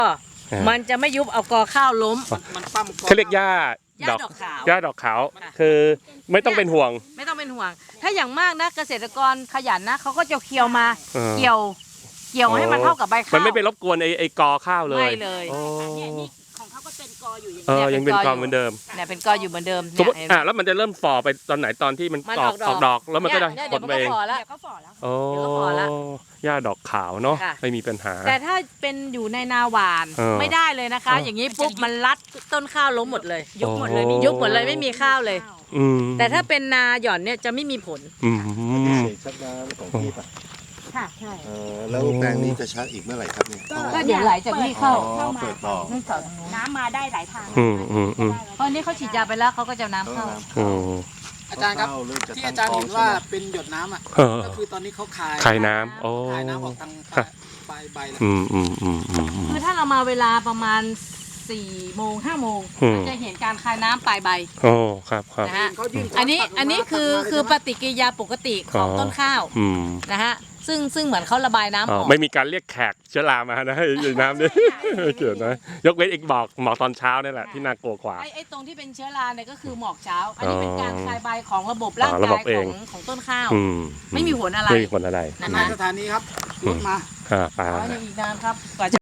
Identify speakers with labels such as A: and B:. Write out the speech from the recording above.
A: มันจะไม่ยุบเอากอข้าวล้ม
B: มันปั้ม
C: เขาเรียกหญ้า
A: ดอกขาว
C: หญ้าดอกขาวคือไม่ต้องเป็นห่วง
A: ไม่ต้องเป็นห่วงถ้าอย่างมากนะเกษตรกรขยันนะเขาก็จะเคี่ยวมาเกี่ยวให้มันเท่ากับใบข้าว
C: มันไม่ไปรบกวนไอ้กอข้าวเลย
A: ไม่เลย
D: นี่ของเขาก็เป็นกออยู่อย่างนี้
C: ยังเป็นกอเหมือนเดิม
A: เนี่ยเป็นกออยู่เหมือนเดิม
C: สมมติแล้วมันจะเริ่มฝ่อไปตอนไหนตอนที่มันออกดอกแล้วมันก็จะผลไปเอง
A: เดี๋ยวก็
D: ฝ่อแล้ว
C: โอ้หญ้าดอกขาวเนาะไม่มีปัญหา
A: แต่ถ้าเป็นอยู่ในนาหวานไม่ได้เลยนะคะ อย่างนี้ปุ๊บมันรัดต้นข้าวล้มหมดเลย
D: ยุบหมดเลย
A: ไม่มีข้าวเลยแต่ถ้าเป็นนาหย่อนเนี่ยจะไม่มีผล
B: ชักน้ำของพี่ป่ะ
D: ค่ะใช่
B: แล้วแปลงนี้จะชักอีกเมื่อไหร่ครับเนี่ย
A: ก็เดี๋ยวไหลจากนี่เข้า
B: เปิดต่อ
D: น้ำมาได้หลายทาง
A: เพราะนี้เขาฉีดยาไปแล้วเขาก็จะน้ำเข้า
E: อาจารย์ครับที่อาจารย์เห็นว่าเป็นหยดน้ำอ่ะก็คือตอนนี้เขาคาย
C: น้ำ
E: คายน้ำออกทางปลายใบแล้ว
A: คือถ้าเรามาเวลาประมาณ4 โมง 5 โมงจะเห็นการคายน้ำปลายใบ
C: ครับ
A: นะฮะอันนี้คือปฏิกิริยาปกติของต้นข้าวนะฮะซึ่งเหมือนเขาระบายน้ำออก
C: ไม่มีการเรียกแขกเชื้อรามานะให้น้ำนี่ไม่เกี่ยวนะยกเว้นอีกหมอกตอนเช้านี่แหละที่น่ากลัวกว่า
A: ไอ้ตรงที่เป็นเชื้อราเนี่ยก็คือหมอกเช้าอันนี้เป็นการคายใบของระบบร่างกายของต้นข้าวไม่มีผลอะไร
C: ไม่มีผลอะไร
E: สถานีครับรถมา
C: ไป
A: อีกนานครับกว่าจะ